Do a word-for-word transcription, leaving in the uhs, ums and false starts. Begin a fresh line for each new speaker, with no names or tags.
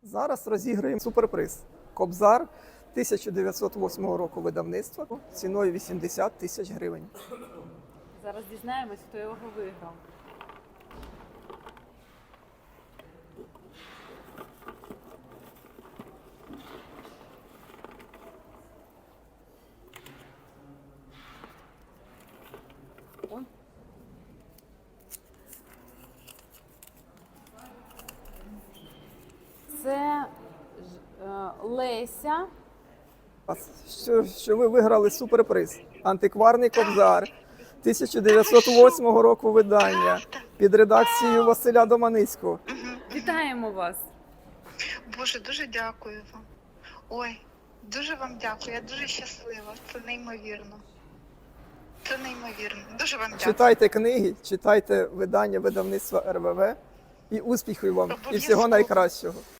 Зараз розіграємо суперприз. Кобзар тисяча дев'ятсот восьмого року видавництва ціною вісімдесят тисяч гривень.
Зараз дізнаємось, хто його виграв. Ой. Це ж, е, Леся.
Що, що ви виграли суперприз. Антикварний кобзар тисяча дев'ятсот восьмого року видання під редакцією Василя Доманицького.
Вітаємо вас!
Боже, дуже дякую вам. Ой, дуже вам дякую. Я дуже щаслива. Це неймовірно. Це неймовірно. Дуже вам дякую.
Читайте книги, читайте видання видавництва РВВ і успіхів вам, і всього
Обов'язково.
найкращого.